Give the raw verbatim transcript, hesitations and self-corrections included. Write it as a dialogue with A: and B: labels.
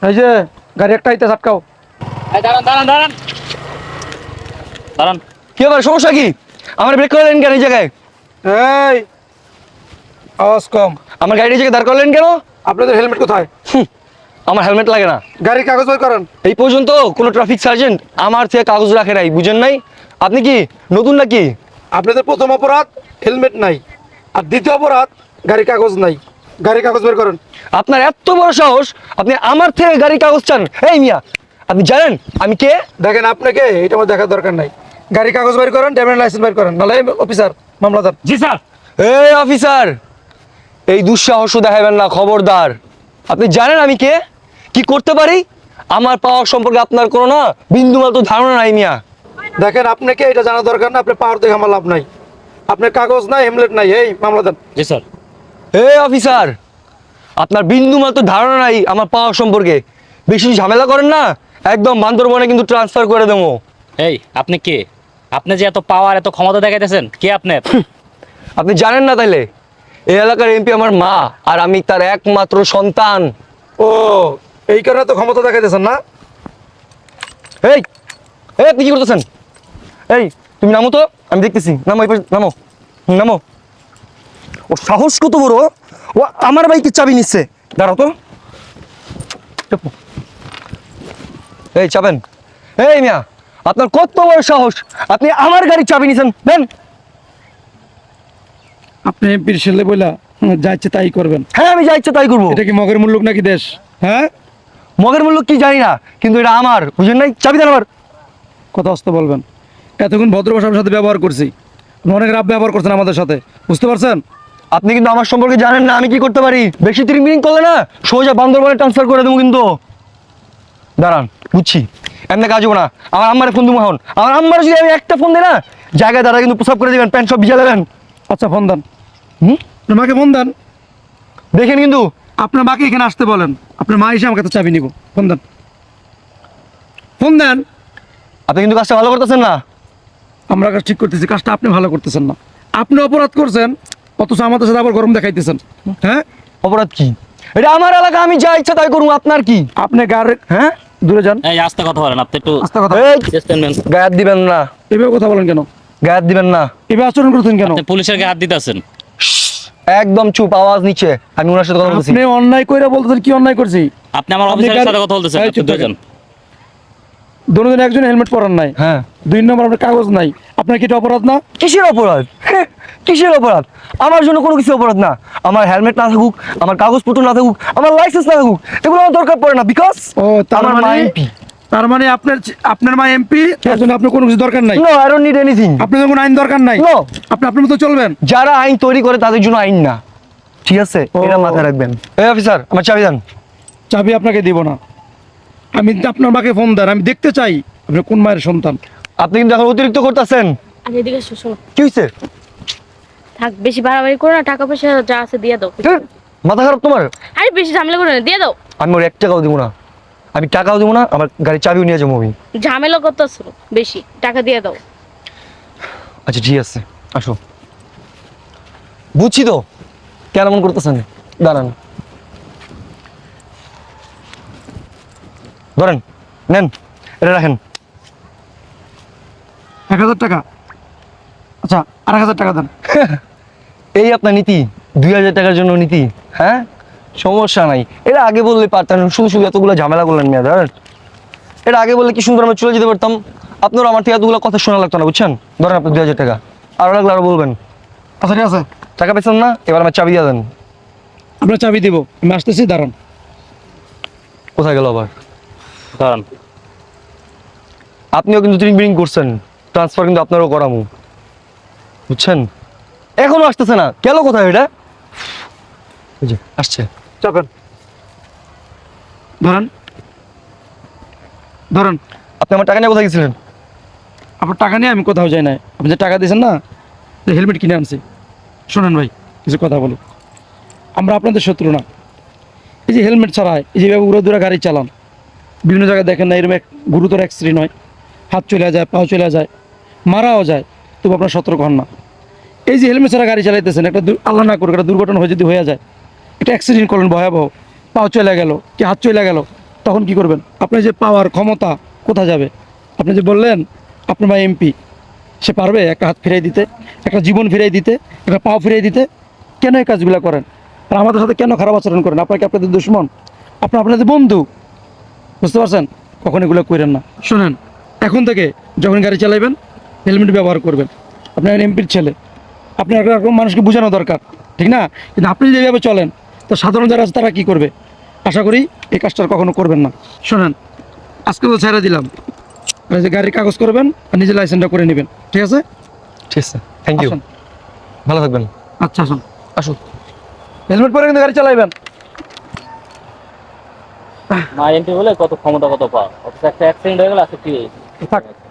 A: এই যে গাড়ি একটা আইতে আটকাও।
B: দাঁড়ান দাঁড়ান দাঁড়ান দাঁড়ান।
C: কি ব্যাপার, সমস্যা কি? আমার ব্রেক করলেন কেন এই জায়গায়?
A: এই আওয়াজ কম।
C: আমার গাড়ি এই জায়গায় দাঁড় করলেন কেন?
A: আপনাদের হেলমেট কোথায়?
C: হুম, আমার হেলমেট লাগে না।
A: গাড়ির কাগজ বের করেন।
C: এই পর্যন্ত কোনো ট্রাফিক সার্জেন্ট আমার থেকে কাগজ রাখে নাই, বুঝেন নাই? আপনি কি নতুন নাকি?
A: আপনাদের প্রথম অপরাধ হেলমেট নাই, আর দ্বিতীয় অপরাধ গাড়ির কাগজ নাই। গাড়ির কাগজ বের করেন।
C: আপনার এত বড় সাহস, আপনি আমার থেকে গাড়ির কাগজ চান? এই মিয়া, আপনি জানেন আমি কে?
A: দেখেন আপনাকে এটা আমার দেখার দরকার নাই। গাড়ির কাগজ বের করেন, ড্রাইভিং লাইসেন্স বের করেন, নাহলে অফিসার মামলাদার।
B: জি স্যার।
C: এই অফিসার, এই দুঃসাহস দেখাবেন না, খবরদার। আপনি জানেন আমি কে, কি করতে পারি? আমার পাওয়ার সম্পর্কে আপনার কোনো না বিন্দুমাত্র ধারণা নাই মিয়া।
A: দেখেন আপনাকে এটা জানা দরকার না, আপনি পাওয়ার দেখে আমার লাভ নাই। আপনার কাগজ নাই, হেলমেট নাই, এই মামলাদার।
B: জি স্যার।
C: এই অফিসার, আপনার বিন্দুমাত্র ধারণা নাই আমার পাওয়ার সম্পর্কে। বেশি ঝামেলা করেন না, একদম বান্দরবনে কিন্তু ট্রান্সফার করে দেবো।
B: এই আপনি কে? আপনি যে এত পাওয়ার এত ক্ষমতা দেখাইতেছেন, কে আপনি?
C: আপনি জানেন না তাইলে? এই এলাকার এমপি আমার মা, আর আমি তার একমাত্র সন্তান।
A: ও, এই কারণে তো ক্ষমতা দেখাইতেছেন না?
C: এই এই আপনি কি করতেছেন? এই তুমি নামো তো, আমি দেখতেছি। নামো, এই পাশে নামো, নামো। ও সাহস কত বড়, ও আমার বাইকের চাবি নিচ্ছে। দাঁড়াও তো। চাপো। এই চাবেন? এই মিয়া, আপনার কত বড় সাহস, আপনি আমার গাড়ির চাবি নিছেন? দেন।
A: আপনি এমপির ছেলে বইলা যা ইচ্ছে তাই করবেন?
C: হ্যাঁ, আমি যা ইচ্ছা তাই করবো।
A: এটা কি মগের মূল্য নাকি দেশ? হ্যাঁ,
C: মগের মূল্য কি জানি না, কিন্তু এটা আমার, বুঝেন নাই? চাবি দেন আমার।
A: কথা আসতে বলবেন। এতক্ষণ ভদ্র ভাষার সাথে ব্যবহার করছি, আপনি অনেক রাব ব্যবহার করছেন আমাদের সাথে, বুঝতে পারছেন?
C: আপনি কিন্তু আমার সম্পর্কে জানেন না আমি কি করতে পারি। বেশি তিরিং বিরিং করলে না সোজা বান্দরবনে ট্রান্সফার করে দেবো কিন্তু। দাঁড়ান, বুঝছি, এমনি কাজ হবো না। আমার আম্মারে ফোন দেবো এখন। আমার আম্মার যদি আমি একটা ফোন দিই না, জায়গায় দাঁড়া কিন্তু প্রসাব করে দেবেন, প্যান্ট সব ভিজা দেবেন।
A: আচ্ছা ফোন দেন।
C: হুম,
A: আপনার মাকে ফোন দেন।
C: দেখেন কিন্তু।
A: আপনার মাকে এখানে আসতে বলেন, আপনার মা এসে আমার কাছে চাবি নিব। ফোন দেন, ফোন দেন।
C: আপনি কিন্তু কাজটা ভালো করতেছেন না।
A: আমরা কাজ ঠিক করতেছি, কাজটা আপনি ভালো করতেছেন না। আপনি অপরাধ করছেন, অথচ আমাদের সাথে আবার গরম দেখাইতেছেন। হ্যাঁ,
C: অপরাধ কি? এটা আমার এলাকা, আমি যা ইচ্ছা তাই করবো। আপনার কি?
A: আপনি গাড়ি,
C: হ্যাঁ,
A: দূরে যান।
B: এই আস্তে কথা বলেন, আপনি একটু
A: আস্তে কথা।
C: এই
B: চেষ্টা নেন।
C: গায়ে দিবেন না,
A: এভাবে কথা বলেন কেন?
C: গায়ে দিবেন না।
A: এভাবে আচরণ করতেন কেন?
B: আপনি পুলিশের গায়ে হাত দিতেছেন।
C: একদম চুপ, আওয়াজ নিচে। আমি ওনার সাথে কথা বলছি।
A: আপনি অন্যায় কইরা বলতেছেন, কি অন্যায় করছি?
B: আপনি আমার
A: আপনি
B: অফিসারের
A: গাড়ি-
B: সাথে কথা বলতেছেন।
A: এই
B: আপনি
A: চুপ
B: দুজন।
A: দুজন একজন হেলমেট পরান নাই,
C: হ্যাঁ।
A: দুই নম্বর আপনার কাগজ নাই। আপনার কি এটা অপরাধ না?
C: কিসের অপরাধ? হ্যাঁ, কিসের অপরাধ? আমার জন্য কোনো কিছু অপরাধ না। আমার হেলমেট না থাকুক, আমার কাগজপত্র না থাকুক, আমার লাইসেন্স না থাকুক, এগুলো আমার দরকার পড়ে না। বিকজ
A: ও, তার
C: আমার মা
A: মানে
C: এমপি।
A: তার মানে আপনার আপনার মা এমপি, তার জন্য আপনার কোনো কিছু দরকার নাই।
C: No, I don't need anything.
A: আপনার কোনো আইন দরকার নাই।
C: No.
A: আপনি আপনার মতো চলবেন।
C: যারা আইন তৈরি করে তাদের জন্য আইন না, ঠিক আছে?
A: ও।
C: এটা মাথায় রাখবেন। এই অফিসার, আমার চাবি দেন।
A: চাবি আপনাকে দিব না। আমি আপনার মাকে ফোন দেন, আমি দেখতে চাই আপনি কোন মায়ের সন্তান।
C: আপনি কিন্তু এখন অতিরিক্ত করতেছেন।
D: আমি এদিকে এসো, শোনো।
C: কি হয়েছে?
D: থাক, বেশি বাড়াবাড়ি করো না, টাকা পয়সা যা আছে দিয়ে দাও।
C: মাথা খারাপ তোমার?
D: আরে বেশি ঝামেলা করো না, দিয়ে দাও।
C: আমি ওর এক টাকাও দিব না। আমি টাকাও দিব না, আমার গাড়ির চাবিও নিয়ে যাবো আমি।
D: ঝামেলা করতেছো বেশি, টাকা দিয়ে দাও।
C: আচ্ছা ঠিক আছে, আসো। বুঝছি তো কেন মন করতেছেন। দাঁড়ান, ধরেন, নেন, এটা রাখেন।
A: এক হাজার টাকা? আচ্ছা, আর এক হাজার টাকা দেন।
C: এই আপনার নীতি, দুই হাজার টাকার জন্য নীতি? হ্যাঁ, সমস্যা নাই। এটা আগে বললে পারতেন, শুধু শুধু এতগুলো ঝামেলা করলেন মেয়ে। ধরেন, এটা আগে বললে কি সুন্দর আমরা চলে যেতে পারতাম। আপনার আমার থেকে এতগুলো কথা শোনা লাগতো না, বুঝছেন? ধরেন আপনার দুই হাজার টাকা, আরো লাগলে আরো বলবেন।
A: আচ্ছা ঠিক আছে,
C: টাকা পেয়েছেন না, এবার আমার চাবি দিয়ে দেন।
A: আপনার চাবি দিব, আমি আসতেছি, দাঁড়ান।
C: কোথায় গেল আবার?
B: দাঁড়ান।
C: আপনিও কিন্তু ট্রিং বিরিং করছেন, ট্রান্সফার কিন্তু আপনারও করামু, বুঝছেন? এখনো আসতেছে না, গেল কোথায় এটা? এই যে আসছে।
A: চাপেন, ধরেন ধরেন।
C: আপনি আমার টাকা নিয়ে কোথায় গেছিলেন?
A: আপনার টাকা নিয়ে আমি কোথাও যাই না। আপনি যে টাকা দিয়েছেন না, যে হেলমেট কিনে আনছি। শোনেন ভাই, কিছু কথা বলি। আমরা আপনাদের শত্রু না। এই যে হেলমেট ছাড়ায় এই যেভাবে উড়ে দূরে গাড়ি চালান, বিভিন্ন জায়গায় দেখেন না, এরকম এক গুরুতর অ্যাক্সিডেন্ট হয়, হাত চলে যায়, পাও চলে যায়, মারাও যায়, তবু আপনার সতর্ক হন না। এই যে হেলমেট ছাড়া গাড়ি চালাইতেছেন, একটা দু- আল্লাহ না করুক একটা দুর্ঘটনা হয়ে যদি হয়ে যায়, একটা অ্যাক্সিডেন্ট করলেন ভয়াবহ, পাও চলে গেল কি হাত চলে গেল, তখন কি করবেন? আপনার যে পাওয়ার ক্ষমতা কোথা যাবে? আপনি যে বললেন আপনার ভাই এমপি, সে পারবে একটা হাত ফিরিয়ে দিতে, একটা জীবন ফিরিয়ে দিতে, একটা পাও ফিরিয়ে দিতে? কেন এই কাজগুলো করেন? আর আমাদের সাথে কেন খারাপ আচরণ করেন? আপনার কি আপনাদের দুশ্মন? আপনার আপনাদের বন্ধু, বুঝতে পারছেন? কখন এগুলো করেন না। শোনেন, এখন থেকে যখন গাড়ি চালাবেন হেলমেট ব্যবহার করবেন। আপনার এমপির ছেলে, আপনার এরকম মানুষকে বোঝানো দরকার, ঠিক না? কিন্তু আপনি যদি এভাবে চলেন তো সাধারণ যারা আছে তারা কী করবে? আশা করি এই কাজটা আর কখনো করবেন না। শোনেন, আজকে তো ছেড়ে দিলাম, আর এই যে গাড়ির কাগজ করবেন আর নিজের লাইসেন্সটা করে নেবেন, ঠিক আছে?
C: ঠিক আছে, থ্যাংক ইউ।
A: আসুন।
C: ভালো থাকবেন।
A: আচ্ছা, আসুন।
C: আসুন।
A: হেলমেট পরে কিন্তু গাড়ি চালাইবেন।
B: মা এমপি বলে কত ক্ষমতা কত পাওয়া, অথচ একটা অ্যাক্সিডেন্ট হয়ে গেল, আজকে কি হয়েছে?
A: থাক।